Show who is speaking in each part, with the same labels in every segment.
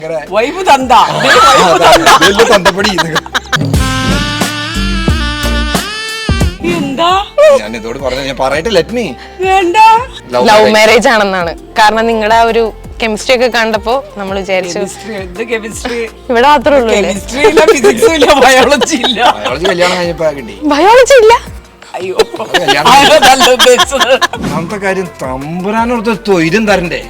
Speaker 1: Vibe തന്ത
Speaker 2: തന്തപ്പടി
Speaker 1: എന്താ
Speaker 2: ഞാൻ ഇതോട് പറഞ്ഞു, ഞാൻ പറയട്ടെ, ലെറ്റ് മീ.
Speaker 1: വേണ്ട,
Speaker 3: ലവ് മാരേജ് ആണെന്നാണ്. കാരണം നിങ്ങളുടെ ആ ഒരു കെമിസ്ട്രി ഒക്കെ കണ്ടപ്പോ നമ്മൾ വിചാരിച്ചു
Speaker 1: കെമിസ്ട്രി
Speaker 3: ഇവിടെ മാത്രമേ ഉള്ളൂ.
Speaker 1: കെമിസ്ട്രി ഇല്ല, ഫിസിക്സും ഇല്ല, ബയോളജി ഇല്ല.
Speaker 2: ബയോളജി കല്യാണം കഴിഞ്ഞപ്പോ കിട്ടി.
Speaker 3: ബയോളജി ഇല്ല.
Speaker 1: അയ്യോ,
Speaker 2: ഒന്നാമത്തെ കാര്യം തമ്പുരാനോടത്ത് തൊയിലും തരണ്ടേ.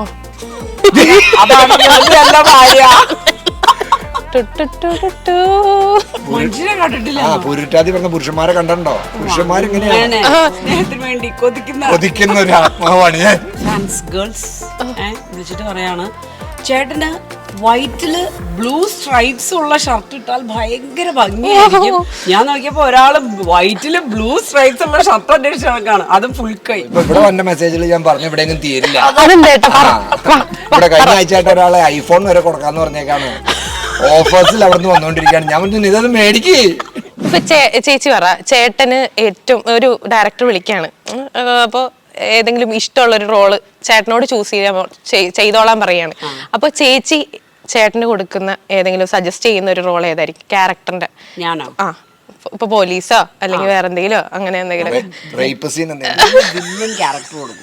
Speaker 1: മനുഷ്യനെ കണ്ടിട്ടില്ല.
Speaker 2: പുരുട്ടാതി പറഞ്ഞ പുരുഷന്മാരെ കണ്ടോ? പുരുഷന്മാരിങ്ങനെയാണ്
Speaker 1: സ്നേഹത്തിന് വേണ്ടി
Speaker 2: കൊതിക്കുന്ന ഒരു ആത്മാവാണ് ഞാൻ.
Speaker 1: ഫാൻസ് ഗേൾസ് വിളിച്ചിട്ട് പറയാണ്, ചേട്ടന് വൈറ്റില് ബ്ലൂ സ്ട്രൈപ്സ് ഉള്ള ഷർട്ട് ഇട്ടാൽ ഭയങ്കര ഭംഗിയായിരിക്കും. ഞാൻ നോക്കിയപ്പോ ഒരാള് വൈറ്റില് ബ്ലൂ സ്ട്രൈപ്സ് ഉള്ള ഷർട്ട് അന്വേഷിച്ച് നടക്കാണ്, അതും ഫുൾ കൈ.
Speaker 2: ഇപ്പൊ ഇവിടെ വന്ന മെസ്സേജിൽ ഞാൻ പറഞ്ഞു ഇവിടെയെങ്കിലും തീരില്ല. ഇവിടെ കഴിഞ്ഞ ആഴ്ചയായിട്ട് ഒരാളെ ഐഫോൺ വരെ കൊടുക്കാന്ന് പറഞ്ഞേക്കാണ്. ഓഫേഴ്സിൽ അവിടെ നിന്ന് വന്നോണ്ടിരിക്കുകയാണ്. ഞാൻ പറഞ്ഞു ഇതൊന്ന് മേടിക്ക്.
Speaker 3: ഇപ്പൊ ചേച്ചി പറ, ചേട്ടന് ഏറ്റവും ഒരു ഡയറക്ടർ വിളിക്കാണ്, അപ്പൊ ഏതെങ്കിലും ഇഷ്ടമുള്ള ഒരു റോള് ചേട്ടനോട് ചൂസ് ചെയ്തോളാൻ പറയാണ്. അപ്പൊ ചേച്ചി ചേട്ടന് കൊടുക്കുന്ന ഏതെങ്കിലും സജസ്റ്റ് ചെയ്യുന്ന ഒരു റോൾ ഏതായിരിക്കും ക്യാരക്ടറിന്റെ?
Speaker 1: ഞാനോ?
Speaker 3: ആ, ഇപ്പൊ പോലീസോ അല്ലെങ്കിൽ വേറെ എന്തെങ്കിലും അങ്ങനെ എന്തെങ്കിലും
Speaker 1: വില്ലൻ ക്യാരക്ടർ കൊടുക്കും.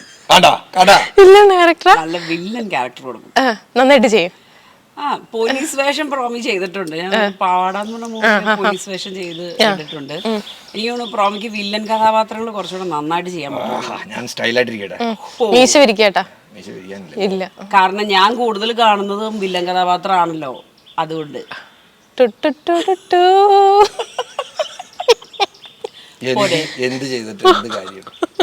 Speaker 1: നല്ല വില്ലൻ ക്യാരക്ടർ കൊടുക്കും.
Speaker 3: നന്നായിട്ട് ചെയ്യും.
Speaker 1: പോലീസ് വേഷം പ്രോമി ചെയ്തിട്ടുണ്ട്. ഞാൻ പാടാന്ന് പറഞ്ഞ മൂവി പോലീസ് വേഷം ചെയ്തിട്ടുണ്ട്. എനിക്ക് തോന്നുന്നു പ്രോമിക്ക് വില്ലൻ കഥാപാത്രങ്ങൾ കുറച്ചുകൂടെ നന്നായിട്ട് ചെയ്യാൻ പറ്റും.
Speaker 2: ഞാൻ സ്റ്റൈലായിട്ടിരിക്കട്ടെ.
Speaker 3: മീശ വിരിക്കട്ടാ. ഇല്ല,
Speaker 1: കാരണം ഞാൻ കൂടുതൽ കാണുന്നതും വില്ലൻ കഥാപാത്രമാണല്ലോ, അതുകൊണ്ട്.
Speaker 2: എന്ത് ചെയ്തിട്ട് എന്ത് കാര്യം?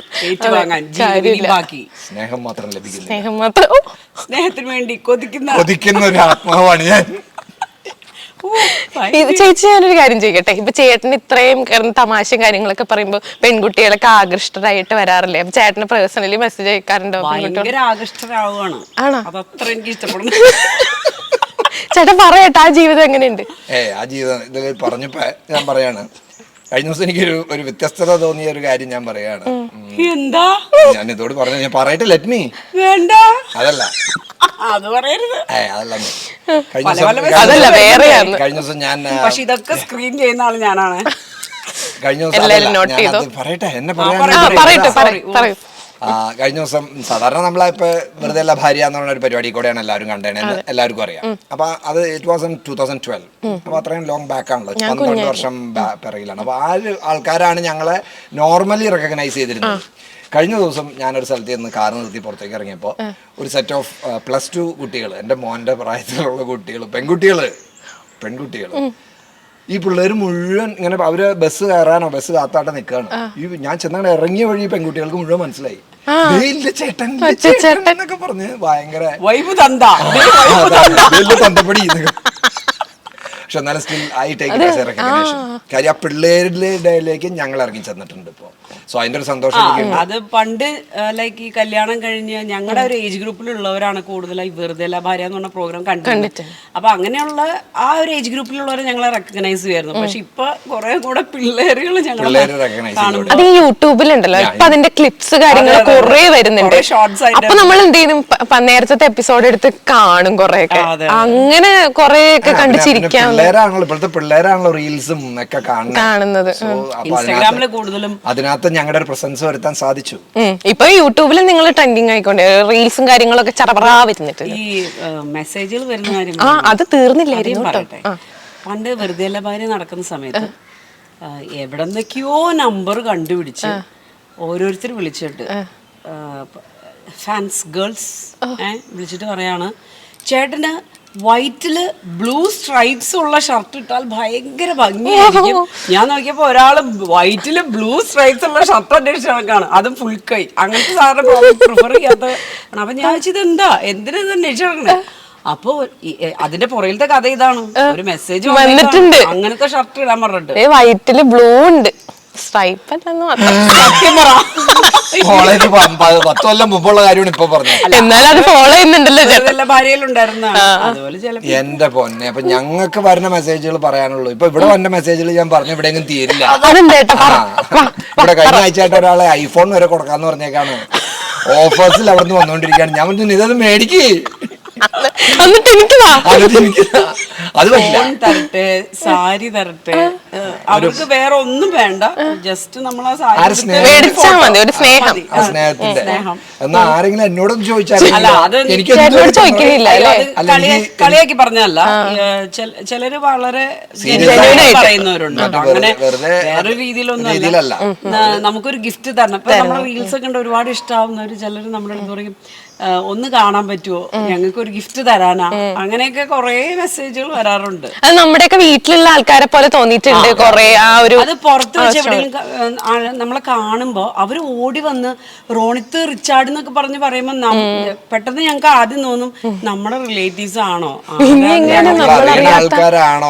Speaker 2: സ്നേഹം മാത്രം ലഭിക്കുന്നു.
Speaker 1: സ്നേഹത്തിന് വേണ്ടി
Speaker 2: കൊതിക്കുന്ന ഒരു ആത്മാവാണ് ഞാൻ.
Speaker 3: ചേച്ചി, ഞാനൊരു കാര്യം ചെയ്യട്ടെ. ഇപ്പൊ ചേട്ടന് ഇത്രയും തമാശയും കാര്യങ്ങളൊക്കെ പറയുമ്പോ പെൺകുട്ടികളൊക്കെ ആകൃഷ്ടരായിട്ട് വരാറില്ലേ? അപ്പൊ ചേട്ടന് പേഴ്സണലി മെസ്സേജ് അയക്കാറുണ്ടോ?
Speaker 1: ഭയങ്കര ആകൃഷ്ടരാവുകയാണ്. അതത്ര എനിക്ക് ഇഷ്ടപ്പെടുന്നു.
Speaker 3: ചേട്ടൻ പറയട്ടെ, ആ ജീവിതം എങ്ങനെയുണ്ട്?
Speaker 2: ആ ജീവിതം ഇത് പറഞ്ഞപ്പോ ഞാൻ പറയാണ്, കഴിഞ്ഞ ദിവസം എനിക്കൊരു ഒരു വ്യത്യസ്തത തോന്നിയ ഒരു കാര്യം ഞാൻ പറയാണ്.
Speaker 1: എന്താ?
Speaker 2: ഞാൻ ഇതോട് പറഞ്ഞു, ഞാൻ പറയട്ടെ, ലെറ്റ് മീ.
Speaker 1: വേണ്ട,
Speaker 2: അതല്ല
Speaker 1: അത് പറയരുത്.
Speaker 2: കഴിഞ്ഞ ദിവസം ഞാൻ
Speaker 1: പക്ഷെ ഇതൊക്കെ സ്ക്രീൻ ചെയ്യുന്ന ആള് ഞാനാണ്.
Speaker 2: കഴിഞ്ഞ ദിവസം പറയട്ടെ, എന്നെ പറയാൻ കഴിഞ്ഞ ദിവസം സാധാരണ നമ്മളിപ്പോ വെറുതെ അല്ല ഭാര്യ എന്ന് പറഞ്ഞ ഒരു പരിപാടി കൂടെയാണ് എല്ലാവരും കണ്ടേണെന്ന് എല്ലാവർക്കും അറിയാം. അപ്പൊ അത് ഇറ്റ് വാസ് ഇൻ 2012. അപ്പൊ അത്രയും ലോങ് ബാക്ക് ആണല്ലോ, 12 വർഷം പിറകിലാണ്. അപ്പൊ ആ ആൾക്കാരാണ് ഞങ്ങളെ നോർമലി റെക്കഗ്നൈസ് ചെയ്തിരുന്നത്. കഴിഞ്ഞ ദിവസം ഞാനൊരു സ്ഥലത്ത് നിന്ന് കാർ നിർത്തി പുറത്തേക്ക് ഇറങ്ങിയപ്പോൾ ഒരു സെറ്റ് ഓഫ് +2 കുട്ടികൾ, എൻ്റെ മോൻ്റെ പ്രായത്തിലുള്ള കുട്ടികൾ, പെൺകുട്ടികൾ, ഈ പിള്ളേർ മുഴുവൻ ഇങ്ങനെ അവര് ബസ് കയറാനോ ബസ് കാത്താട്ട നിൽക്കുകയാണ്. ഈ ഞാൻ ചെന്നങ്ങനെ ഇറങ്ങിയ വഴി പെൺകുട്ടികൾക്ക് മുഴുവൻ മനസ്സിലായി ചേട്ടൻ എന്നൊക്കെ പറഞ്ഞ് ഭയങ്കര തന്തപ്പടി. പക്ഷെ എന്നാലും still I take it as a recognition. കാര്യം ആ പിള്ളേരുടെ ഇടയിലേക്ക് ഞങ്ങൾ ഇറങ്ങി ചെന്നിട്ടുണ്ട് ഇപ്പൊ. സോ അതിന്റെ ഒരു സന്തോഷം.
Speaker 1: അത് പണ്ട് ലൈക്ക് ഈ കല്യാണം കഴിഞ്ഞ് ഞങ്ങളുടെ ഒരു ഏജ് ഗ്രൂപ്പിലുള്ളവരാണ് കൂടുതലായി വെറുതെ ഭാര്യ എന്ന് പറഞ്ഞ പ്രോഗ്രാം കണ്ടിട്ടുണ്ട്. അപ്പൊ അങ്ങനെയുള്ള ആ ഒരു ഏജ് ഗ്രൂപ്പിലുള്ളവരെ ഞങ്ങളെ റെക്കഗ്നൈസ് ചെയ്യുമായിരുന്നു. പക്ഷെ ഇപ്പൊ കുറെ കൂടെ പിള്ളേരുകൾ ഞങ്ങളെ
Speaker 3: അത് യൂട്യൂബിലുണ്ടല്ലോ, ഇപ്പൊ അതിന്റെ ക്ലിപ്സ് കാര്യങ്ങൾ കുറെ വരുന്നുണ്ട്. അപ്പൊ നമ്മൾ എന്ത് ചെയ്യും, നേരത്തെ എപ്പിസോഡ് എടുത്ത് കാണും കുറെയൊക്കെ. അങ്ങനെ കുറെയൊക്കെ കണ്ടിച്ചിരിക്കാം.
Speaker 2: ഇപ്പോഴത്തെ പിള്ളേരാണല്ലോ റീൽസും ഒക്കെ കാണുന്നത്.
Speaker 1: ഇൻസ്റ്റാഗ്രാമില് കൂടുതലും
Speaker 2: അതിനകത്ത് ഞങ്ങളുടെ ഒരു പ്രസൻസ് വരുത്താൻ സാധിച്ചു.
Speaker 3: ഇപ്പൊ യൂട്യൂബിൽ നിങ്ങൾ ട്രെൻഡിങ് ആയിക്കൊണ്ട് റീൽസും കാര്യങ്ങളൊക്കെ ചറപറാ വരുന്നിട്ട്
Speaker 1: ഈ മെസ്സേജുകൾ വരുന്ന കാര്യം
Speaker 3: അത് തീർന്നില്ലായിരുന്നു.
Speaker 1: പണ്ട് വെറുതെ ഭാര്യ നടക്കുന്ന സമയത്ത് എവിടെന്നൊക്കെയോ നമ്പർ കണ്ടുപിടിച്ച് ഓരോരുത്തർ വിളിച്ചിട്ട് ഫാൻസ് ഗേൾസ് വിളിച്ചിട്ട് പറയാണ്, ചേട്ടന് വൈറ്റില് ബ്ലൂ സ്ട്രൈപ്സ് ഉള്ള ഷർട്ട് ഇട്ടാൽ ഭയങ്കര ഭംഗിയായിരിക്കും. ഞാൻ നോക്കിയപ്പോ ഒരാള് വൈറ്റില് ബ്ലൂ സ്ട്രൈപ്സ് ഉള്ള ഷർട്ട് അന്വേഷിച്ച് നടക്കാണ്, അതും ഫുൾ കൈ. അങ്ങനത്തെ സാധനം പ്രിഫർ ചെയ്യാത്ത. അപ്പൊ ഞാൻ വെച്ചത് എന്താ, എന്തിനാ ഇത് അന്വേഷിച്ച് നടക്കണേ? അപ്പൊ അതിന്റെ പുറകിലത്തെ കഥ ഇതാണ്, ഒരു മെസ്സേജ് വന്നിട്ടുണ്ട് അങ്ങനത്തെ ഷർട്ട് ഇടാൻ പറഞ്ഞിട്ട്.
Speaker 3: വൈറ്റില് ബ്ലൂ ഉണ്ട്, സ്ട്രൈപ്പ് അല്ലെന്ന്
Speaker 1: സത്യം പറ.
Speaker 2: കോളേജ് 10 കൊല്ലം മുമ്പുള്ള കാര്യമാണ് ഇപ്പൊ പറഞ്ഞത്.
Speaker 3: എന്നാലും അത് ഫോളോ ചെയ്യുന്നുണ്ടല്ലോ,
Speaker 1: ഭാര്യയിലുണ്ടായിരുന്ന. അതുപോലെ
Speaker 2: എന്റെ പൊന്നെ, അപ്പൊ ഞങ്ങൾക്ക് വരുന്ന മെസ്സേജുകൾ പറയാനുള്ളൂ. ഇപ്പൊ ഇവിടെ വന്ന മെസ്സേജിൽ ഞാൻ പറഞ്ഞു ഇവിടെയെങ്കിലും തീരില്ല. ഇവിടെ കഴിഞ്ഞ ആഴ്ചയായിട്ട് ഒരാളെ ഐഫോൺ വരെ കൊടുക്കാന്ന് പറഞ്ഞേക്കാണ്. ഓഫേഴ്സിൽ അവിടെ നിന്ന് വന്നോണ്ടിരിക്കുകയാണ്. ഞാൻ പറഞ്ഞു ഇതൊന്ന് മേടിക്ക്.
Speaker 3: എന്നിട്ട് എനിക്ക്
Speaker 2: അത് പറ്റില്ല.
Speaker 1: ഫോൺ തരട്ടെ, സാരി തരട്ടെ, അവർക്ക് വേറെ ഒന്നും വേണ്ട, ജസ്റ്റ് നമ്മൾ ആ സാരി എടുത്ത്
Speaker 3: മേടിച്ചാ മതി, ഒരു സ്നേഹം.
Speaker 1: മതി.
Speaker 2: സ്നേഹത്തിന്റെ
Speaker 1: സ്നേഹം.
Speaker 2: എന്നാ ആരെങ്കിലും എന്നോടൊന്നും ചോദിച്ചാൽ
Speaker 1: അല്ല, അത്
Speaker 3: ചേട്ടനോട് ചോദിക്കുന്നില്ല അല്ലേ?
Speaker 1: കളിയാക്കി പറഞ്ഞല്ല. ചിലര് വളരെ പറയുന്നവരുണ്ട് കേട്ടോ. അങ്ങനെ വേറെ രീതിയിലൊന്നും
Speaker 2: രീതിയിലല്ല.
Speaker 1: നമുക്കൊരു ഗിഫ്റ്റ് തരണം. ഇപ്പൊ നമ്മുടെ റീൽസ് ഒക്കെ ഉണ്ട്, ഒരുപാട് ഇഷ്ടമാവുന്നവര് ചിലര് നമ്മുടെ അടുത്ത് പറയും ഒന്ന് കാണാൻ പറ്റുമോ, ഞങ്ങൾക്ക് ഒരു ഗിഫ്റ്റ് തരാനാ, അങ്ങനെയൊക്കെ കുറെ മെസ്സേജുകൾ വരാറുണ്ട്.
Speaker 3: അത് നമ്മുടെയൊക്കെ വീട്ടിലുള്ള ആൾക്കാരെ പോലെ തോന്നിയിട്ടുണ്ട് കൊറേ. ആ ഒരു
Speaker 1: അത് പുറത്ത് വെച്ച് എവിടെയെങ്കിലും നമ്മളെ കാണുമ്പോ അവര് ഓടി വന്ന് റോണിത്ത് റിച്ചാർഡ് എന്നൊക്കെ പറഞ്ഞ് പറയുമ്പോ പെട്ടെന്ന് ഞങ്ങൾക്ക് ആദ്യം തോന്നും നമ്മുടെ റിലേറ്റീവ്സ് ആണോ,
Speaker 2: ആൾക്കാരാണോ,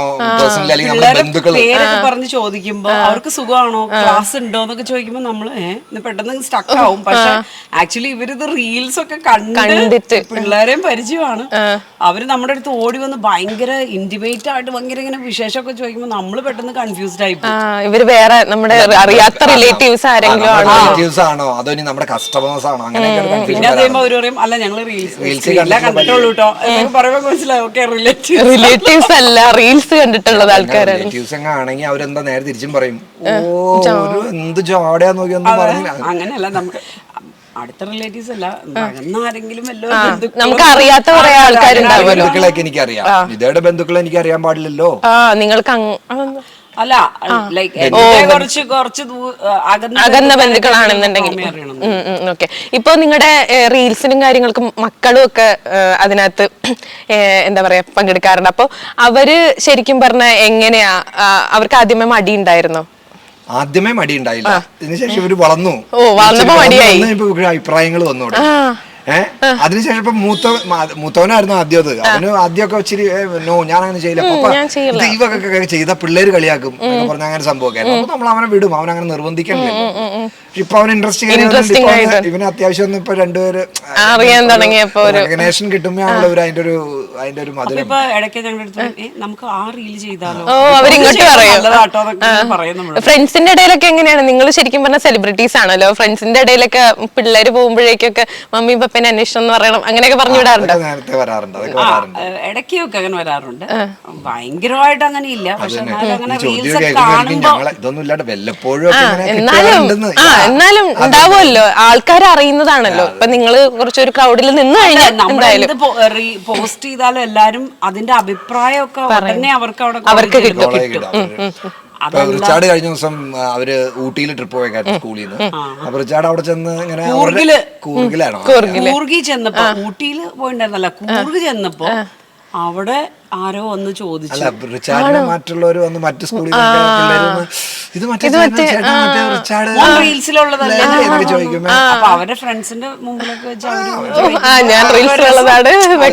Speaker 1: പേരൊക്കെ പറഞ്ഞ് ചോദിക്കുമ്പോ അവർക്ക് സുഖമാണോ, ക്ലാസ് ഉണ്ടോ എന്നൊക്കെ ചോദിക്കുമ്പോ നമ്മള് പെട്ടെന്ന് സ്റ്റക്ക് ആവും. പക്ഷെ ആക്ച്വലി ഇവരിത് റീൽസ് ഒക്കെ കണ്ടിട്ട് പിള്ളേരെയും പരിചയമാണ്. അവര് നമ്മുടെ അടുത്ത് ഓടി വന്ന് ഭയങ്കര ഇന്റിമേറ്റ് ആയിട്ട് ഭയങ്കര ഇങ്ങനെ വിശേഷമൊക്കെ ചോദിക്കുമ്പോ നമ്മള് പെട്ടെന്ന് കൺഫ്യൂസ്ഡ് ആയി പോകും.
Speaker 3: ഇവര് വേറെ നമ്മുടെ അറിയാത്ത റിലേറ്റീവ്സ് ആരെങ്കിലും
Speaker 2: ആണോ അതോ ഇനി നമ്മുടെ കസ്റ്റമേഴ്സ് ആണോ, അങ്ങനെ
Speaker 1: പിന്നെ അത് കഴിയുമ്പോ അവര് പറയും അല്ല ഞങ്ങള് റീൽസ് കണ്ടിട്ടുള്ളൂ കേട്ടോ എന്നൊക്കെ പറയുമ്പോ മനസ്സിലാവും ഓക്കെ
Speaker 3: റിലേറ്റീവ്സ് അല്ല റീൽസ് കണ്ടിട്ടുള്ളത് ആൾക്കാരാണ്.
Speaker 2: റിലേറ്റീവ്സ് ഒക്കെ ആണെങ്കിൽ അവരെന്താ നേരെ തിരിച്ചും പറയും, എന്ത് ജോടയാ നോക്കി ഒന്നും പറഞ്ഞില്ല.
Speaker 1: അങ്ങനെയല്ല, നമുക്ക് അടുത്ത റിലേറ്റീവ്സ് അല്ല, ആരെങ്കിലും
Speaker 3: നമുക്ക് അറിയാത്ത കുറെ ആൾക്കാരുണ്ടാവും.
Speaker 2: ബന്ധുക്കളൊക്കെ എനിക്കറിയാം, ഇതേടെ ബന്ധുക്കളെ എനിക്ക് അറിയാൻ പാടില്ലല്ലോ.
Speaker 3: നിങ്ങൾക്ക്
Speaker 1: അല്ല ലൈക്ക് കുറച്ച്
Speaker 3: അകന്ന ബന്ധുക്കളാണെന്നുണ്ടെങ്കിൽ ഓക്കെ. ഇപ്പൊ നിങ്ങളുടെ റീൽസിനും കാര്യങ്ങൾക്കും മക്കളും ഒക്കെ അതിനകത്ത് എന്താ പറയാ പങ്കെടുക്കാറുണ്ട്. അപ്പൊ അവര് ശരിക്കും പറഞ്ഞ എങ്ങനെയാ, അവർക്ക് ആദ്യമേ മടി ഉണ്ടായിരുന്നോ?
Speaker 2: ആദ്യമേ മടി ഉണ്ടായില്ല, ഇതിനുശേഷം ഇവര് വളർന്നു, അഭിപ്രായങ്ങൾ വന്നു. അതിനുശേഷം ഇപ്പൊ മൂത്തവനായിരുന്നു ആദ്യം. അത് അവന് ആദ്യമൊക്കെ ഇച്ചിരി നോ ഞാൻ അങ്ങനെ ചെയ്യില്ല, ദൈവമൊക്കെ ചെയ്ത പിള്ളേര് കളിയാക്കും എന്നൊക്കെ പറഞ്ഞ അങ്ങനെ സംഭവമൊക്കെ. അപ്പൊ നമ്മൾ അവനെ വിടും, അവൻ അങ്ങനെ നിർബന്ധിക്കണില്ല. ഇപ്പൊ അവന് ഇൻട്രസ്റ്റിംഗ് ഇവന് അത്യാവശ്യം ഒന്നും ഇപ്പൊ രണ്ടുപേര് റെക്കഗ്നേഷൻ കിട്ടുമ്പോ അതിന്റെ ഒരു മധുരം.
Speaker 1: ഇപ്പൊ ഇടയ്ക്ക് ഞങ്ങളുടെ നമുക്ക് ആ റീൽ ചെയ്താലോ,
Speaker 3: അവരിങ്ങോട്ട് പറയും. ഫ്രണ്ട്സിന്റെ ഇടയിലൊക്കെ എങ്ങനെയാണ്? നിങ്ങൾ ശരിക്കും പറഞ്ഞ സെലിബ്രിറ്റീസ് ആണല്ലോ, ഫ്രണ്ട്സിന്റെ ഇടയിലൊക്കെ പിള്ളേര് പോകുമ്പോഴേക്കൊക്കെ മമ്മി പപ്പനെ അന്വേഷണം എന്ന് പറയണം അങ്ങനെയൊക്കെ പറഞ്ഞു വിടാറുണ്ട്.
Speaker 2: നേരത്തെ വരാറുണ്ട്,
Speaker 1: ഇടയ്ക്കൊക്കെ അങ്ങനെ വരാറുണ്ട്. ഭയങ്കരമായിട്ട് അങ്ങനെ ഇല്ല, പക്ഷെ അങ്ങനെ റീൽസ് ഒക്കെ കാണുമ്പോ
Speaker 2: ഇതൊന്നും ഇല്ലാണ്ട് വല്ലപ്പോഴും
Speaker 3: എന്നാലും ഉണ്ടാവുമല്ലോ, ആൾക്കാർ അറിയുന്നതാണല്ലോ. ഇപ്പൊ നിങ്ങള് കുറച്ചൊരു ക്രൗഡിൽ നിന്ന് കഴിഞ്ഞാൽ എന്തായാലും
Speaker 1: പോസ്റ്റ് ചെയ്താലും എല്ലാരും അതിന്റെ അഭിപ്രായമൊക്കെ ഉടനെ അവർക്ക്
Speaker 3: കിട്ടും.
Speaker 2: റിച്ചാർഡ് കഴിഞ്ഞ ദിവസം അവര് ഊട്ടിയിൽ ട്രിപ്പ് പോയേക്കായിരുന്നു സ്കൂളിൽ നിന്ന്. അപ്പൊ റിച്ചാർഡ് അവിടെ ചെന്ന് ഇങ്ങനെ കൂർഗിലാണോ
Speaker 1: കൂർഗി ചെന്നപ്പോ, ഊട്ടിയിൽ പോയിണ്ടായിരുന്നല്ല, കൂർഗ് ചെന്നപ്പോ അവിടെ ആരോ വന്ന് ചോദിച്ചു,
Speaker 2: റിച്ചാർഡിനെ മറ്റുള്ളവർ വന്ന് മറ്റു സ്കൂളിൽ ഇത്
Speaker 1: റീൽസിലുള്ളതല്ലേ ചോദിക്കുമ്പോ അപ്പൊ അവരുടെ ഫ്രണ്ട്സിന്റെ മുമ്പിലൊക്കെ വെച്ച്
Speaker 3: ഞാൻ റീൽസിലുള്ളതാണ്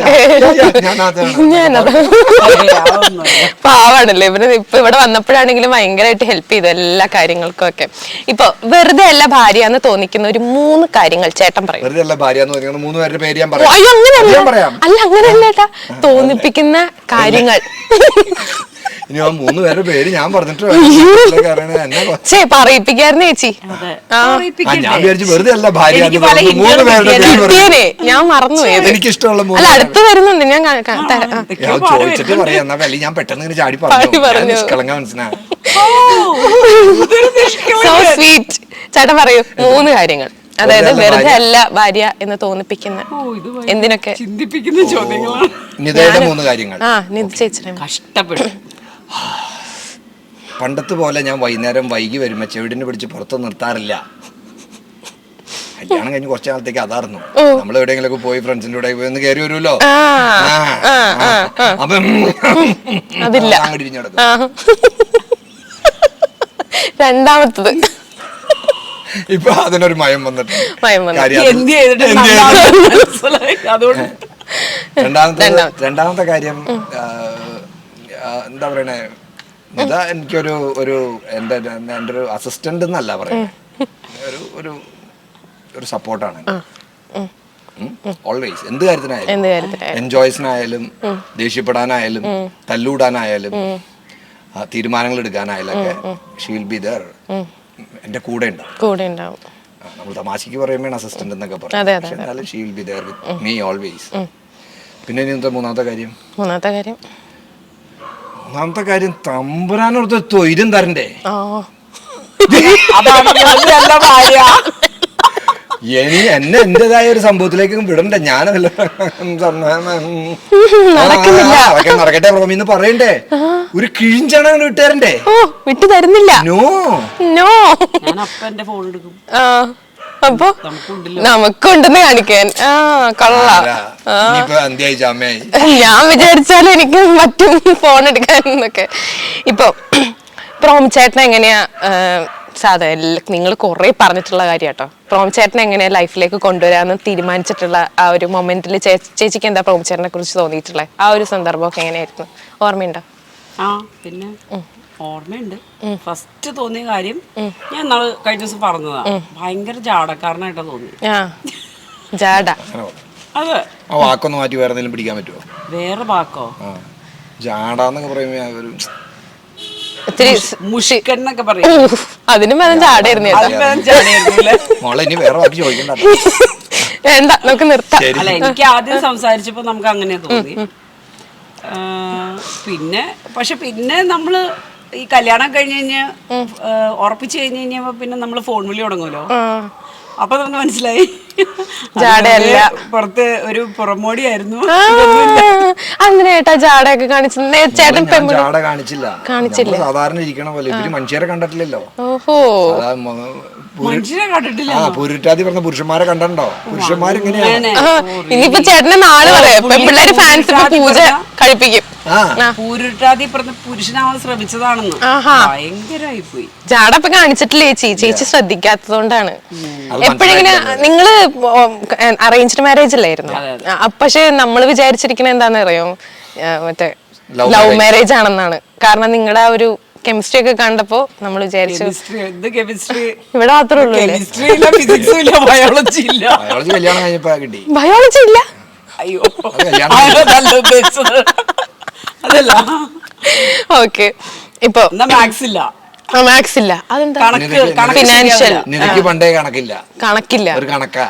Speaker 3: പാവാണല്ലേ ഇവര്. ഇപ്പൊ ഇവിടെ വന്നപ്പോഴാണെങ്കിലും ഭയങ്കരമായിട്ട് ഹെൽപ്പ് ചെയ്തു എല്ലാ കാര്യങ്ങൾക്കും ഒക്കെ. ഇപ്പൊ വെറുതെ അല്ല ഭാര്യ എന്ന് തോന്നിക്കുന്ന ഒരു 3 കാര്യങ്ങൾ ചേട്ടൻ പറയും.
Speaker 2: വെറുതെ അല്ല ഭാര്യ എന്ന് തോന്നിക്കുന്ന 3 പേരുടെ പേര് ഞാൻ പറയാം.
Speaker 3: അല്ല അങ്ങനെയല്ല ഏട്ടാ, തോന്നിപ്പിക്കുന്ന കാര്യങ്ങൾ.
Speaker 2: ഇനി ആ 3 പേരുടെ പേര് ഞാൻ പറഞ്ഞിട്ട്
Speaker 3: പറയിപ്പിക്കായിരുന്നു ചേച്ചി.
Speaker 2: ഞാൻ വിചാരിച്ചു വെറുതെ അല്ല ഭാര്യ 3 പേരുടെ
Speaker 3: ഞാൻ മറന്നു.
Speaker 2: എനിക്കിഷ്ടമുള്ള
Speaker 3: അല്ല അടുത്ത് വരുന്നുണ്ട്, ഞാൻ
Speaker 2: ചോദിച്ചിട്ട് പറയാം. എന്നാ വലിയ ഞാൻ പെട്ടെന്ന് ഇങ്ങനെ ചാടി പറഞ്ഞു നിഷ്കളങ്ക മനസ്സിലായി.
Speaker 3: So sweet. ചേട്ടൻ പറയൂ 3 കാര്യങ്ങൾ, അതായത് വെറുതെ അല്ല ഭാര്യ എന്ന് തോന്നിപ്പിക്കുന്ന എന്തിനൊക്കെ
Speaker 1: ചിന്തിപ്പിക്കുന്ന ചോദ്യങ്ങളാണ്.
Speaker 2: നിതയുടെ 3 കാര്യങ്ങൾ.
Speaker 1: കഷ്ടപ്പെടും.
Speaker 2: പണ്ടത്തെ പോലെ ഞാൻ വൈകുന്നേരം വൈകി വരുമ്പോ ചെവിടിനെ പിടിച്ച് പുറത്ത് നിർത്താറില്ല. കല്യാണം കഴിഞ്ഞ് കുറച്ച് നാളത്തേക്ക് അതായിരുന്നു. നമ്മൾ എവിടെയെങ്കിലും പോയി ഫ്രണ്ട്സിന്റെ കൂടെ പോയി ഒന്ന് കയറി വരുമല്ലോ, അപ്പൊ
Speaker 3: അതില്ല. രണ്ടാമത്തത്
Speaker 2: ഇപ്പൊ അതിനൊരു മയം വന്നിട്ട് രണ്ടാമത്തെ കാര്യം എന്താ പറയണേ, ഇതാ എനിക്കൊരു എൻ്റെ ഒരു അസിസ്റ്റന്റ് എന്നല്ല പറയുന്നത്, ഒരു സപ്പോർട്ടാണ് ഓൾവേസ്. എന്ത് കാര്യത്തിനായാലും, എൻജോയ്സിനായാലും, ദേഷ്യപ്പെടാനായാലും, തല്ലൂടാനായാലും, തീരുമാനങ്ങൾ എടുക്കാനായാലും ഒക്കെ ഷീ വിൽ ബി ദേർ, എന്റെ കൂടെ ഉണ്ടാവും. നമ്മൾ തമാശക്ക് പറയുമ്പോൾ അസിസ്റ്റന്റ് എന്നൊക്കെ പറയും, she will be there with me always. പിന്നെ ഇനി എന്താ മൂന്നാമത്തെ കാര്യം?
Speaker 3: മൂന്നാമത്തെ
Speaker 2: കാര്യം തമ്പുരാനോർത്ത് തൊയിലും തരണ്ടേ?
Speaker 1: അതാണ് നല്ല ഭാര്യ.
Speaker 2: എന്നെ എന്റേതായ ഒരു സംഭവത്തിലേക്ക് വിടണ്ടേ? ഞാനല്ല അതൊക്കെ നടക്കട്ടെ റോമിന്ന് പറയണ്ടേ? ഒരു കിഴിഞ്ചാണ് വിട്ടുതരണ്ടേ?
Speaker 3: വിട്ടു തരുന്നില്ല.
Speaker 2: നോ
Speaker 3: നോ,
Speaker 1: ഞാൻ അപ്പ എന്റെ ഫോൺ എടുക്കും.
Speaker 3: അപ്പൊ നമുക്കുണ്ടെന്ന് കാണിക്കാൻ. ഞാൻ വിചാരിച്ചാലും എനിക്ക് പറ്റും ഫോൺ എടുക്കാൻ എന്നൊക്കെ. ഇപ്പൊ പ്രോം ചേട്ടൻ എങ്ങനെയാ സാധാരണ നിങ്ങൾ കുറെ പറഞ്ഞിട്ടുള്ള കാര്യം കേട്ടോ, പ്രോം ചേട്ടൻ എങ്ങനെയാ ലൈഫിലേക്ക് കൊണ്ടുവരാന്ന് തീരുമാനിച്ചിട്ടുള്ള ആ ഒരു മൊമെന്റിൽ ചേച്ചിക്ക് എന്താ പ്രോം ചേട്ടനെ കുറിച്ച് തോന്നിയിട്ടുള്ളത്? ആ ഒരു സന്ദർഭമൊക്കെ എങ്ങനെയായിരുന്നു, ഓർമ്മയുണ്ടോ?
Speaker 1: പിന്നെ ഓർമ്മയുണ്ട്. ഫസ്റ്റ് തോന്നിയ കാര്യം ഞാൻ നാളെ കഴിഞ്ഞ ദിവസം പറഞ്ഞതാ, ഭയങ്കര ജാടക്കാരനായിട്ടാ തോന്നി.
Speaker 3: ജാട
Speaker 1: അതെ.
Speaker 2: ആ വാക്കൊന്ന് മാറ്റി വേറെ എന്തെങ്കിലും പിടിക്കാൻ പറ്റുമോ?
Speaker 1: വേറെ വാക്കോ?
Speaker 2: ജാടാന്നൊക്കെ പറയുമ്പോ
Speaker 1: മുഷിക്കന്നൊക്കെ പറയും.
Speaker 3: അതിനും ജാടായിരുന്നു.
Speaker 2: മോളെ ഇനി വേറെ വാക്ക് ചോദിക്കണ്ട,
Speaker 3: വേണ്ട നമുക്ക് നിർത്താം.
Speaker 1: അല്ല, എനിക്ക് ആദ്യം സംസാരിച്ചപ്പോ നമുക്ക് അങ്ങനെ തോന്നി. പിന്നെ നമ്മള് ഈ കല്യാണം കഴിഞ്ഞ് കഴിഞ്ഞ് ഉറപ്പിച്ചു കഴിഞ്ഞ് കഴിഞ്ഞപ്പോ പിന്നെ നമ്മള് ഫോൺ വിളി തുടങ്ങുമല്ലോ. അപ്പൊ നമുക്ക് മനസ്സിലായി പുറത്ത് ഒരു പുറമോടിയായിരുന്നു.
Speaker 3: അങ്ങനെ ഏട്ടാ ജാടയൊക്കെ ചേട്ടൻ
Speaker 2: ജാട കാണിച്ചില്ല. സാധാരണ ഇരിക്കണ പോലെ ഇവര് മനുഷ്യരെ കണ്ടിട്ടില്ലല്ലോ.
Speaker 1: മനുഷ്യരെ കണ്ടിട്ടില്ല.
Speaker 2: പൂരുറ്റാതി പറഞ്ഞ പുരുഷന്മാരെ കണ്ടോ? പുരുഷന്മാരിങ്ങനെയാണ്.
Speaker 3: ഇനിയിപ്പോ ചേട്ടനെ നാളെ പറയാം പിള്ളേര് ഫാൻസ് പൂജ കഴിപ്പിക്കും.
Speaker 1: പൂരുട്ടാതി പറഞ്ഞ പുരുഷനാവാൻ ശ്രമിച്ചതാണെന്ന് ഭയങ്കരമായി പോയി.
Speaker 3: ജാട ഇപ്പൊ കാണിച്ചിട്ടില്ലേ ചേച്ചി ശ്രദ്ധിക്കാത്തതുകൊണ്ടാണ്. എപ്പോഴെങ്ങനെ നിങ്ങള് അറേഞ്ച്ഡ് മാരേജ് അല്ലായിരുന്നു? പക്ഷെ നമ്മള് വിചാരിച്ചിരിക്കണ എന്താന്ന് അറിയോ, മറ്റേ ലവ് മാരേജ് ആണെന്നാണ്. കാരണം നിങ്ങളുടെ ആ ഒരു കെമിസ്ട്രി ഒക്കെ കണ്ടപ്പോ നമ്മൾ വിചാരിച്ചു ഇവിടെ മാത്രമേ ഉള്ളൂ. ബയോളജി ഇല്ല.
Speaker 1: അയ്യോ, അതല്ല.
Speaker 3: ഓക്കെ, ഇപ്പൊ മാത്സ് ഇല്ല. അതെന്താ? ഫിനാൻഷ്യൽ
Speaker 2: പണ്ടേ കണക്കില്ല. ഒരു കണക്കാ.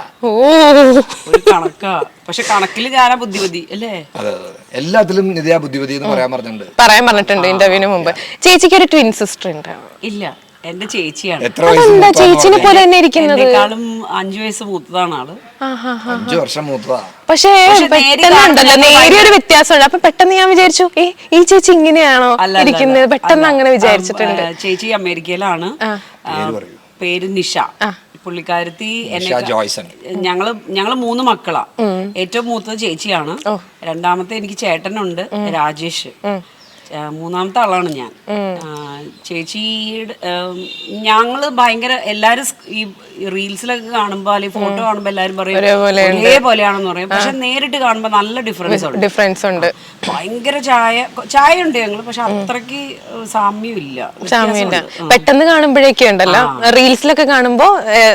Speaker 1: പക്ഷെ കണക്കില് ഞാനാ ബുദ്ധിമതി അല്ലേ?
Speaker 2: എല്ലാത്തിലും നിധിയാ ബുദ്ധിമതി എന്ന് പറയാൻ
Speaker 3: പറഞ്ഞിട്ടുണ്ട് ഇന്റർവ്യൂവിന് മുമ്പ്. ചേച്ചിക്ക് ഒരു ട്വിൻ സിസ്റ്റർ ഉണ്ട്?
Speaker 1: ഇല്ല, എന്റെ ചേച്ചിയാണ്.
Speaker 3: ചേച്ചിനെ പോലെ തന്നെ ഇരിക്കുന്നത്.
Speaker 1: 5 വയസ്സ് മൂത്തതാണ് ആള്.
Speaker 2: 5 വർഷം മൂത്തതാ.
Speaker 3: പക്ഷേ പെട്ടെന്നുണ്ടല്ലോ നേരിയൊരു വ്യത്യാസമുണ്ട്. അപ്പൊ പെട്ടെന്ന് ഞാൻ വിചാരിച്ചു ഈ ചേച്ചി ഇങ്ങനെയാണോ ഇരിക്കുന്നത്, പെട്ടെന്ന് അങ്ങനെ വിചാരിച്ചിട്ടുണ്ട്.
Speaker 1: ചേച്ചി അമേരിക്കയിലാണ്. പേര് നിഷ. പുള്ളിക്കാരത്തി ഞങ്ങള് 3 മക്കളാ. ഏറ്റവും മൂത്തത് ചേച്ചിയാണ്. രണ്ടാമത്തെ എനിക്ക് ചേട്ടനുണ്ട്, രാജേഷ്. മൂന്നാമത്തെ ആളാണ് ഞാൻ. ചേച്ചിയുടെ ഞങ്ങള് ഭയങ്കര എല്ലാരും ഈ റീൽസിലൊക്കെ കാണുമ്പോ അല്ലെങ്കിൽ ഫോട്ടോ കാണുമ്പോ എല്ലാരും പറയും ഒരേപോലെയാണെന്ന് പറയും. പക്ഷെ നേരിട്ട് കാണുമ്പോ നല്ല ഡിഫറൻസ് ഉണ്ട്. ഭയങ്കര ചായ ഉണ്ട് ഞങ്ങള്, പക്ഷെ അത്രക്ക് സാമ്യമില്ല.
Speaker 3: പെട്ടെന്ന് കാണുമ്പോഴേക്കും ഉണ്ടല്ലോ, റീൽസിലൊക്കെ കാണുമ്പോ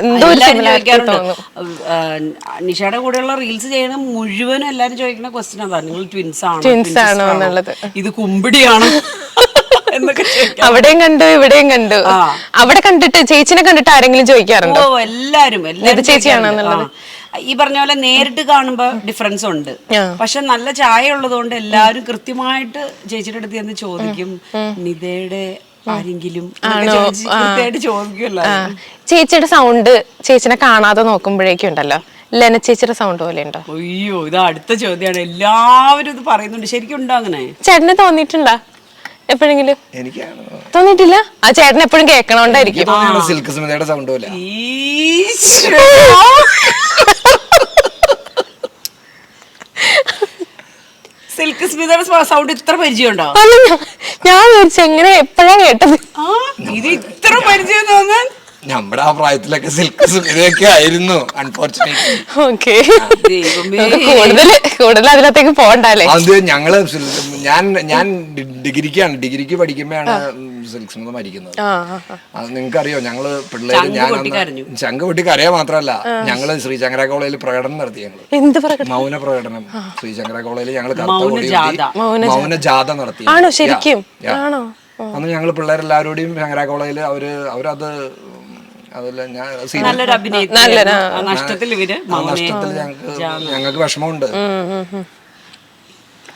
Speaker 1: നിഷയുടെ കൂടെയുള്ള റീൽസ് ചെയ്യണ മുഴുവനും എല്ലാരും ചോദിക്കുന്ന ക്വസ്റ്റ്യൻ അതാ, നിങ്ങൾ ട്വിൻസ് ആണോ എന്നുള്ളത്. ഇത് കുമ്പിടിയാണ് എന്നൊക്കെ.
Speaker 3: അവിടെയും കണ്ടു ഇവിടെയും കണ്ടു. അവിടെ കണ്ടിട്ട് ചേച്ചിനെ കണ്ടിട്ട് ആരെങ്കിലും ചോദിക്കാറുണ്ടോ?
Speaker 1: എല്ലാരും
Speaker 3: ചേച്ചിയാണെന്നുള്ളത്.
Speaker 1: ഈ പറഞ്ഞ പോലെ നേരിട്ട് കാണുമ്പോ ഡിഫറൻസ് ഉണ്ട്. പക്ഷെ നല്ല ചായ ഉള്ളതുകൊണ്ട് എല്ലാരും കൃത്യമായിട്ട് ചേച്ചിയുടെ അടുത്ത് ചെന്ന് ചോദിക്കും, നിതയുടെ ആരെങ്കിലും കൃത്യമായിട്ട് ചോദിക്കുമല്ലോ.
Speaker 3: ചേച്ചിയുടെ സൗണ്ട് ചേച്ചിനെ കാണാതെ നോക്കുമ്പോഴേക്കും ഉണ്ടല്ലോ ലെന ചേച്ചിയുടെ സൗണ്ട് പോലെ ഉണ്ടോ?
Speaker 1: അയ്യോ, ഇത് അടുത്ത ചോദ്യമാണ്. എല്ലാവരും ഇത് പറയുന്നുണ്ട്. ശരിക്കും ഉണ്ടോ അങ്ങനെ?
Speaker 3: ചേട്ടന് തോന്നിയിട്ടുണ്ടോ എപ്പോഴെങ്കിലും? തോന്നിയിട്ടില്ല. ആ ചേട്ടൻ എപ്പോഴും കേൾക്കണോണ്ടായിരിക്കും.
Speaker 2: സിൽക്ക് സ്മിതയുടെ സൗണ്ട് പോലെ.
Speaker 1: സിൽക്ക് സ്മിതയുടെ സൗണ്ട് ഇത്ര പരിചയമുണ്ടോ?
Speaker 3: ഞാൻ വിചാരിച്ചു എങ്ങനെ എപ്പോഴാ കേട്ടത്.
Speaker 1: ഇത് ഇത്ര പരിചയം തോന്നാൻ
Speaker 2: നമ്മുടെ ആ പ്രായത്തിലൊക്കെ സിൽക്ക് സ്മിതയൊക്കെ ആയിരുന്നു.
Speaker 3: അൺഫോർച്ചുനേറ്റ്ലി കൂടുതൽ അതിനകത്തേക്ക് പോകണ്ടല്ലേ.
Speaker 2: അത് ഞാൻ ഡിഗ്രിക്ക് പഠിക്കുമ്പോഴാണ് സിൽക്ക് സ്മിത മരിക്കുന്നത്. അത് നിങ്ങൾക്കറിയോ? ഞങ്ങള് പിള്ളേര് ശംഖ് പൊട്ടിക്ക് അറിയാൻ മാത്രമല്ല, ഞങ്ങള് ശ്രീശങ്കര കോളേജിൽ പ്രകടനം നടത്തി. ഞങ്ങള് മൗന പ്രകടനം ശ്രീശങ്കര കോളേജിൽ ഞങ്ങള് മൗന ജാഥ നടത്തി. അന്ന് ഞങ്ങള് പിള്ളേരെല്ലാവരോടെയും ശങ്കര കോളേജിൽ അവരത് നഷ്ടത്തിൽ ഞങ്ങൾക്ക് വിഷമമുണ്ട്.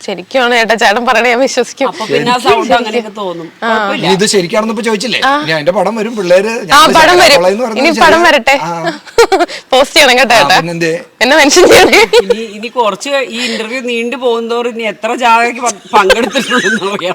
Speaker 3: ശരിക്കും ചേട്ടാ ചേട്ടൻ പറയണേ ഞാൻ വിശ്വസിക്കും.
Speaker 1: അപ്പൊ പിന്നെ ആ സൗണ്ട് അങ്ങനെയൊക്കെ തോന്നും. കുഴപ്പമില്ല.
Speaker 2: ഇനി ഇത് ശരിക്കാണെന്ന് ഇപ്പൊ ചോദിച്ചില്ലേ, ഇനി അതിന്റെ പടം വരും, പിള്ളേര്
Speaker 3: പടം വരും, ഇനി പടം വരട്ടെ, പോസ്റ്റ് ചെയ്യണം കേട്ടോ ചേട്ടാ, എന്നെ മെൻഷൻ ചെയ്യണേ.
Speaker 1: ഇനി കുറച്ച് ഈ ഇന്റർവ്യൂ നീണ്ടു പോകുന്നതോറും ഇനി എത്ര ജാഥയ്ക്ക് പങ്കെടുത്തിട്ടുണ്ടെന്ന് അറിയാം.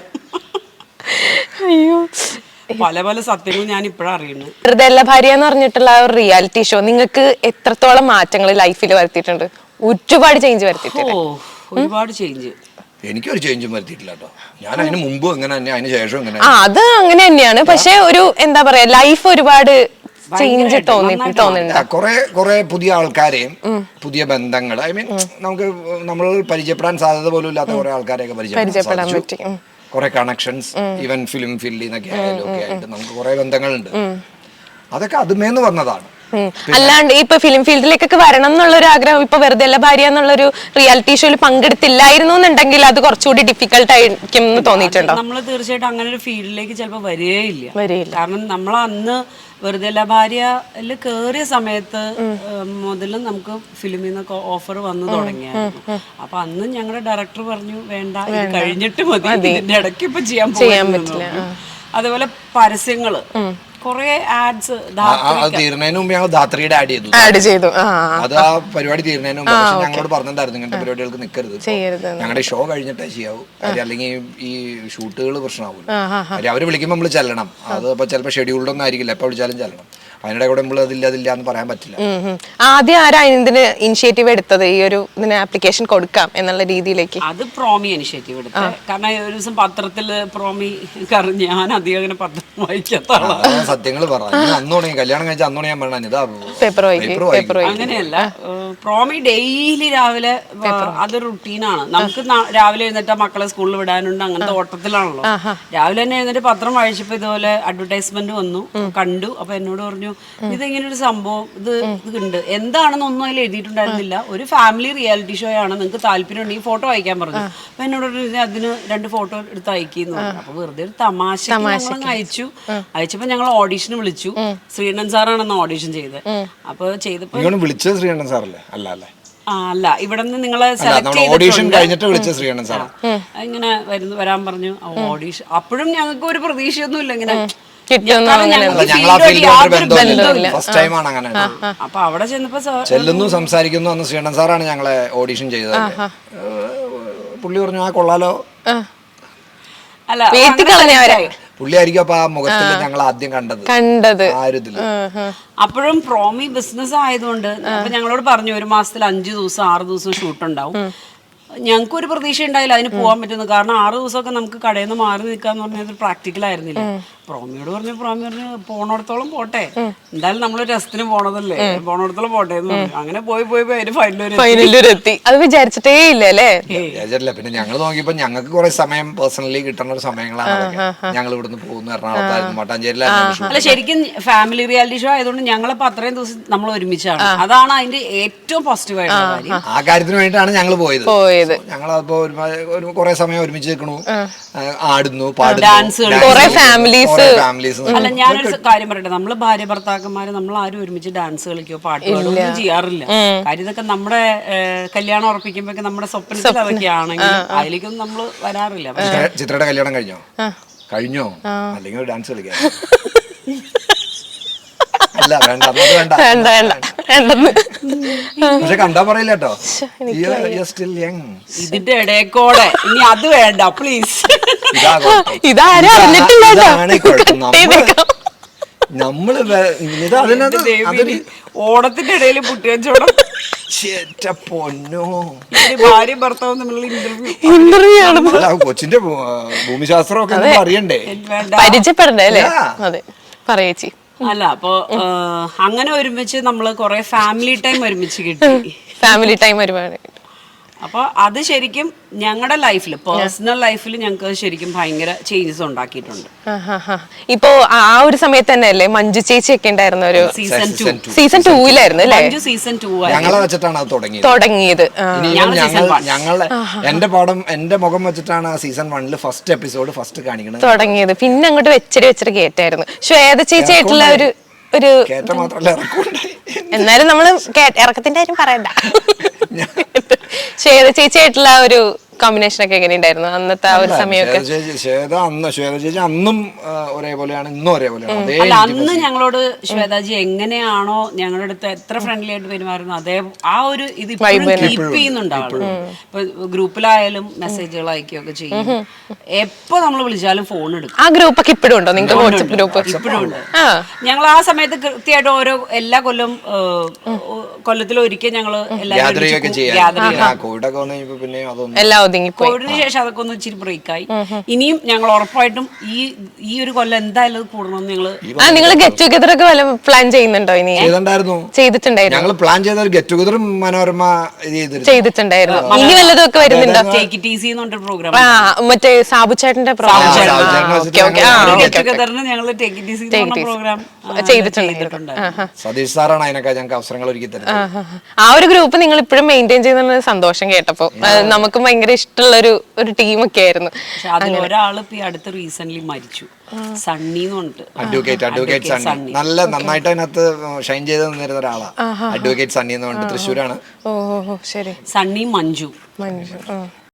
Speaker 3: അയ്യോ,
Speaker 1: പല പല സത്യങ്ങൾ ഞാൻ ഇപ്പോഴാണ് അറിയുന്നത്.
Speaker 3: വെറുതെയല്ല ഭാര്യ എന്ന് പറഞ്ഞിട്ടുള്ള ഒരു റിയാലിറ്റി ഷോ നിങ്ങൾക്ക് എത്രത്തോളം മാറ്റങ്ങൾ ലൈഫിൽ വരുത്തിയിട്ടുണ്ട്? ഒരുപാട് ചേഞ്ച് വരുത്തിയിട്ടുണ്ട്.
Speaker 1: ഒരുപാട് ചേഞ്ച്.
Speaker 2: എനിക്കൊരു ചേഞ്ചും വരുത്തിയിട്ടില്ല കേട്ടോ. ഞാൻ അതിന് മുമ്പ് എങ്ങനെ തന്നെ, അതിന് ശേഷം എങ്ങനെ.
Speaker 3: അത് അങ്ങനെ തന്നെയാണ്. പക്ഷെ ഒരു എന്താ പറയാ, ലൈഫ് ഒരുപാട് ചേഞ്ച് തോന്നുന്നുണ്ട്.
Speaker 2: കുറെ പുതിയ ആൾക്കാരെയും പുതിയ ബന്ധങ്ങൾ, ഐ മീൻ നമുക്ക് നമ്മൾ പരിചയപ്പെടാൻ സാധ്യത പോലും ഇല്ലാത്ത കുറെ ആൾക്കാരെയൊക്കെ പരിചയപ്പെടാൻ പറ്റി. കുറെ കണക്ഷൻസ്, ഈവൻ ഫിലിം ഫീൽഡിൽ നിന്നൊക്കെ ആയാലും ഒക്കെ ആയിട്ട് നമുക്ക് കുറെ ബന്ധങ്ങളുണ്ട്. അതൊക്കെ അതുമേന്ന് വന്നതാണ്.
Speaker 3: അല്ലാണ്ട് ഇപ്പൊ ഫിലിം ഫീൽഡിലേക്കൊക്കെ വരണം എന്നുള്ളൊരു ആഗ്രഹം ഇപ്പൊ വെറുതെ അല്ല ഭാര്യ എന്നുള്ളൊരു റിയാലിറ്റി ഷോയിൽ പങ്കെടുത്തില്ലായിരുന്നു എന്നുണ്ടെങ്കിൽ അത് കുറച്ചുകൂടി ഡിഫിക്കൽട്ട് ആയിരിക്കും എന്ന് തോന്നിയിട്ടുണ്ടോ?
Speaker 1: നമ്മൾ തീർച്ചയായിട്ടും അങ്ങനെ ഒരു ഫീൽഡിലേക്ക് ചിലപ്പോൾ വരികയില്ല. കാരണം നമ്മൾ അന്ന് വെറുതെ അല്ല ഭാര്യയിൽ കേറിയ സമയത്ത് മുതലും നമുക്ക് ഫിലിമിൽ നിന്നൊക്കെ ഓഫർ വന്നു തുടങ്ങിയായിരുന്നു. അപ്പൊ അന്ന് ഞങ്ങളുടെ ഡയറക്ടർ പറഞ്ഞു വേണ്ട, ഇത് കഴിഞ്ഞിട്ട് മതി, ഇതിന്റെ ഇടയ്ക്ക് ഇപ്പൊ ചെയ്യാൻ പറ്റില്ല. അതുപോലെ പരസ്യങ്ങള് കൊറേ ആഡ്സ്
Speaker 2: തീർന്നതിന് മുമ്പ് ഞങ്ങൾ ധാത്രിയുടെ ആഡ് ചെയ്തു. അത് ആ പരിപാടി തീർന്നതിന് മുമ്പ് ഞങ്ങളോട് പറഞ്ഞിട്ടുണ്ടായിരുന്നു ഇങ്ങനത്തെ പരിപാടികൾക്ക് നിൽക്കരുത്, ഞങ്ങളുടെ ഷോ കഴിഞ്ഞിട്ടേ ചെയ്യാവൂ, അല്ലെങ്കിൽ ഈ ഷൂട്ടുകൾ പ്രശ്നമാവില്ല. അവര് വിളിക്കുമ്പോൾ നമ്മൾ ചെല്ലണം. അത് ഇപ്പൊ ചിലപ്പോൾ ഷെഡ്യൂൾഡ് ഒന്നും ആയിരിക്കില്ല, എപ്പോൾ വിളിച്ചാലും ചെല്ലണം. അതിനിടെ കൂടെ നമ്മൾ അതില്ല എന്ന് പറയാൻ പറ്റില്ല.
Speaker 3: ആദ്യം ആരാ ഇതിന് ഇനിഷ്യേറ്റീവ് എടുത്തത്, ഈ ഒരു ഇതിന് ആപ്ലിക്കേഷൻ കൊടുക്കാം എന്നുള്ള രീതിയിലേക്ക്?
Speaker 1: അത് പ്രോമി ഇനിഷ്യേറ്റീവ് എടുത്തത്. കാരണം ഒരു ദിവസം പത്രത്തില് പ്രോമി, ഞാൻ അധികം അങ്ങനെ പത്രം വായിക്കാത്ത ആളാണ്.
Speaker 2: സത്യങ്ങൾ പറഞ്ഞു കല്യാണം കഴിച്ച അന്നോണി ഞാൻ
Speaker 3: പേപ്പർ
Speaker 1: അങ്ങനെയല്ല, പ്രോമി ഡെയിലി രാവിലെ അത് റുട്ടീനാണ്. നമുക്ക് രാവിലെ എഴുന്നേറ്റ് മക്കളെ സ്കൂളിൽ വിടാനുണ്ട്, അങ്ങനത്തെ ഓട്ടത്തിലാണല്ലോ. രാവിലെ തന്നെ എഴുന്നേറ്റ് പത്രം വായിച്ചപ്പോ ഇതുപോലെ അഡ്വർടൈസ്മെന്റ് വന്നു, കണ്ടു. അപ്പൊ എന്നോട് പറഞ്ഞു ഇതെങ്ങനെ ഒരു സംഭവം, ഇത് ഉണ്ട്, എന്താണെന്നൊന്നും അതിൽ എഴുതിയിട്ടുണ്ടായിരുന്നില്ല, ഒരു ഫാമിലി റിയാലിറ്റി ഷോ ആണ്, നിങ്ങൾക്ക് താല്പര്യം ഉണ്ടെങ്കിൽ ഫോട്ടോ അയക്കാൻ പറഞ്ഞു. അപ്പൊ എന്നോട് അതിന് 2 ഫോട്ടോ എടുത്ത് അയക്കുന്നു. അപ്പൊ വെറുതെ ഒരു തമാശ അയച്ചപ്പോ ഞങ്ങൾ ഓഡീഷന് വിളിച്ചു. ശ്രീനൻ സാറാണെന്ന് ഓഡീഷൻ ചെയ്തത്. അപ്പൊ ചെയ്തപ്പോ
Speaker 2: വിളിച്ചത് ശ്രീനൻ സാറല്ലേ?
Speaker 1: അല്ല, ഇവിടെ നിന്ന് നിങ്ങളെ സെലക്ട് ഇങ്ങനെ വരാൻ പറഞ്ഞു ഓഡീഷൻ. അപ്പോഴും ഞങ്ങൾക്ക് ഒരു പ്രതീക്ഷയൊന്നും ഇല്ല ഇങ്ങനെ അപ്പൊ അവിടെ ചെന്നപ്പോ
Speaker 2: ചെല്ലുന്നു, സംസാരിക്കുന്നു. അന്ന് ശ്രീനൻ സാറാണ് ഞങ്ങളെ ഓഡീഷൻ ചെയ്തത്. പുള്ളി പറഞ്ഞു ആ കൊള്ളാലോ.
Speaker 1: അല്ല,
Speaker 2: പുള്ളിയായിരിക്കും അപ്പൊ ആ മുഖത്തിൽ ഞങ്ങൾ ആദ്യം കണ്ടത് ആ ഒരു ഇതില്.
Speaker 1: അപ്പോഴും പ്രോമി ബിസിനസ് ആയതുകൊണ്ട് അപ്പൊ ഞങ്ങളോട് പറഞ്ഞു 1 മാസത്തിൽ 5 ദിവസം 6 ദിവസം ഷൂട്ട് ഉണ്ടാവും. ഞങ്ങൾക്ക് ഒരു പ്രതീക്ഷ ഉണ്ടായില്ല അതിന് പോകാൻ പറ്റുന്നു. കാരണം 6 ദിവസമൊക്കെ നമുക്ക് കടയിൽ നിന്ന് മാറി നിൽക്കാന്ന് പറഞ്ഞത് പ്രാക്ടിക്കൽ ആയിരുന്നില്ല. പ്രോമിയോട് പറഞ്ഞു പോണോടത്തോളം പോട്ടെ, എന്തായാലും നമ്മള് രസത്തിന് പോണതല്ലേ, പോണോടത്തോളം പോട്ടെ എന്ന് പറഞ്ഞു. അങ്ങനെ പോയി അതിന്
Speaker 3: ഫൈനലിലെത്തി. അത് വിചാരിച്ചിട്ടേ ഇല്ലല്ലേ?
Speaker 2: പിന്നെ ഞങ്ങൾ നോക്കിയപ്പോ ഞങ്ങൾക്ക് കുറെ സമയം പേഴ്സണലി കിട്ടുന്ന ഒരു സമയങ്ങളാണ്. ഞങ്ങൾ ഇവിടുന്ന് പോകുന്നു, എറണാകുളത്തായിരുന്നു, മട്ടാഞ്ചേരിയിലായിരുന്നു.
Speaker 1: അല്ല, ശരിക്കും ഫാമിലി റിയാലിറ്റി ഷോ ആയതുകൊണ്ട് ഞങ്ങളിപ്പോ അത്രയും ദിവസം നമ്മൾ ഒരുമിച്ചാണ്. അതാണ് അതിന്റെ ഏറ്റവും പോസിറ്റീവ് ആയിട്ടുള്ള കാര്യം.
Speaker 2: ആ കാര്യത്തിന് വേണ്ടിയിട്ടാണ് ഞങ്ങൾ പോയത്. ഞങ്ങളപ്പോ കുറെ സമയം ഒരുമിച്ച് നിൽക്കണു, ആടുന്നു, പാടുന്നു,
Speaker 1: അല്ല, ഞാനൊരു കാര്യം പറയട്ടെ, നമ്മള് ഭാര്യ ഭർത്താക്കന്മാര് നമ്മൾ ആരും ഒരുമിച്ച് ഡാൻസ് കളിക്കോ പാട്ട് പാടുകയോ ചെയ്യാറില്ല. കാര്യം ഇതൊക്കെ നമ്മുടെ കല്യാണം ഉറപ്പിക്കുമ്പോ നമ്മുടെ സ്വപ്നത്തിൽ അതൊക്കെ ആണെങ്കിൽ അതിലേക്കൊന്നും നമ്മള് വരാറില്ല.
Speaker 2: ചിത്രയുടെ കല്യാണം കഴിഞ്ഞോ അല്ലെങ്കിൽ ഡാൻസ് കളിക്കാം? അല്ല, പക്ഷെ കണ്ടാ പറയില്ല കേട്ടോ,
Speaker 1: ഇതിന്റെ ഇടയ്ക്കോടെ ഇനി അത് വേണ്ട പ്ലീസ്.
Speaker 2: നമ്മള്
Speaker 1: ഓണത്തിന്റെ ഇടയിൽ പുട്ടിയച്ചോടം
Speaker 2: പൊന്നോ,
Speaker 1: ഭാര്യ ഭർത്താവും തമ്മിലുള്ള ഇന്റർവ്യൂ
Speaker 2: കൊച്ചിന്റെ ഭൂമിശാസ്ത്രം ഒക്കെ അറിയണ്ടേ,
Speaker 3: പരിചയപ്പെടണ്ടേ അല്ലേ? അതെ, പറയേച്ചി.
Speaker 1: അല്ല, അപ്പൊ അങ്ങനെ ഒരുമിച്ച് നമ്മള് കൊറേ ഫാമിലി ടൈം ഒരുമിച്ച് കിട്ടി.
Speaker 3: ഫാമിലി ടൈം ഒരുപാട്.
Speaker 1: അപ്പൊ അത് ശരിക്കും ഞങ്ങളുടെ ലൈഫിൽ, പേഴ്സണൽ ലൈഫിൽ ഞങ്ങൾക്ക് ശരിക്കും ഭയങ്കര ചേഞ്ചസ് ഉണ്ടാക്കിയിട്ടുണ്ട്.
Speaker 3: ഇപ്പോ ആ ഒരു സമയത്ത് തന്നെ അല്ലേ മഞ്ജു ചേച്ചി ഒക്കെ ഉണ്ടായിരുന്ന ഒരു സീസൺ 2 അല്ലേ?
Speaker 1: സീസൺ 2
Speaker 2: ഞങ്ങളെ വെച്ചിട്ടാണ് അത് തുടങ്ങിയത്. എന്റെ മുഖം വെച്ചിട്ടാണ് ആ സീസൺ 1 ഫസ്റ്റ് എപ്പിസോഡ് കാണിക്കുന്നത് തുടങ്ങിയത്.
Speaker 3: പിന്നെ അങ്ങോട്ട് വെച്ചിട്ട് കേട്ടായിരുന്നു. ശ്വേത ചേച്ചി ആയിട്ടുള്ള ഒരു എന്നാലും നമ്മള് ഇറക്കത്തിന്റെ കാര്യം പറയണ്ട. ശ്വേത ചേച്ചിയായിട്ടുള്ള ഒരു കോമ്പിനേഷൻ ഒക്കെ എങ്ങനെയുണ്ടായിരുന്നു അന്നത്തെ ആ ഒരു സമയമൊക്കെ?
Speaker 2: ശ്വേത ചേച്ചി അന്നും ഒരേപോലെയാണ്, ഇന്നും ഒരേപോലെയാണ്. അതേ
Speaker 1: അല്ല, അന്ന് ഞങ്ങളോട് ശ്വേതാജി എങ്ങനെയാണോ ഞങ്ങളുടെ അടുത്ത് എത്ര ഫ്രണ്ട്ലി ആയിട്ട് പെരുമാറുന്നു അതേ ആ ഒരു ഇത് കീപ്പ് ചെയ്യുന്നുണ്ടാവും. ഇപ്പൊ ഗ്രൂപ്പിലായാലും മെസ്സേജുകൾ അയക്കുകയൊക്കെ ചെയ്യും. എപ്പോ നമ്മൾ വിളിച്ചാലും ഫോൺ എടുക്കും.
Speaker 3: ആ ഗ്രൂപ്പൊക്കെ ഇപ്പോഴും ഉണ്ടോ നിങ്ങൾക്ക്? വാട്സ്ആപ്പ് ഗ്രൂപ്പ്
Speaker 1: ഇപ്പോഴും ഉണ്ട്. ഞങ്ങൾ ആ സമയത്ത് കൃത്യമായിട്ട് എല്ലാ കൊല്ലത്തിലൊരിക്കൽ ഞങ്ങള്
Speaker 3: എല്ലാം ഒതുങ്ങിപ്പോയി.
Speaker 1: കോവിഡിന് ശേഷം അതൊക്കെ ഒന്ന് ഇച്ചിരി ബ്രേക്കായി. ഇനിയും ഞങ്ങൾ ഉറപ്പായിട്ടും ഈ ഒരു കൊല്ലം എന്തായാലും കൂടണമെന്ന്
Speaker 3: നിങ്ങൾ ഗെറ്റ് ടുഗദർ ഒക്കെ പ്ലാൻ ചെയ്യുന്നുണ്ടോ? ഇനി ചെയ്തിട്ടുണ്ടായിരുന്നു.
Speaker 2: ഞങ്ങൾ പ്ലാൻ ചെയ്ത ഒരു ഗെറ്റ് ടുഗദറും മനോരമ
Speaker 3: ചെയ്തിട്ടുണ്ടായിരുന്നു. ഇനി വല്ലതും ഒക്കെ വരുന്നുണ്ടോ?
Speaker 1: ടേക്ക് ഇറ്റ് ഈസി എന്ന് പറഞ്ഞ പ്രോഗ്രാം,
Speaker 3: മറ്റേ സാബുചേട്ടന്റെ പ്രോഗ്രാം
Speaker 1: ചെയ്തിട്ടുണ്ട്.
Speaker 2: സതീഷ് സാറാണ് അതിനൊക്കെ ഞങ്ങൾക്ക് അവസരങ്ങൾ ഒരുക്കി തരുന്നത്.
Speaker 3: ആ ഒരു ഗ്രൂപ്പ് നിങ്ങൾ ഇപ്പോഴും മെയിൻറ്റെയിൻ ചെയ്യുന്ന സന്തോഷം കേട്ടപ്പോ. നമുക്കും ഭയങ്കര ഇഷ്ടമുള്ള ഒരു ടീമൊക്കെ ആയിരുന്നു.
Speaker 1: പക്ഷെ അതിൽ ഒരാള് ഇപ്പൊ അടുത്ത് റീസെന്റ് മരിച്ചു, സണ്ണി എന്ന് പറഞ്ഞിട്ട്.
Speaker 2: അഡ്വക്കേറ്റ് സണ്ണി നന്നായിട്ട് അതിനകത്ത് ഷൈൻ ചെയ്ത് നിന്നിരുന്ന ഒരാളാണ്. അഡ്വക്കേറ്റ് സണ്ണി എന്ന് പറഞ്ഞിട്ട് തൃശ്ശൂരാണ്.
Speaker 3: ഓ ശരി.
Speaker 1: സണ്ണി മഞ്ജു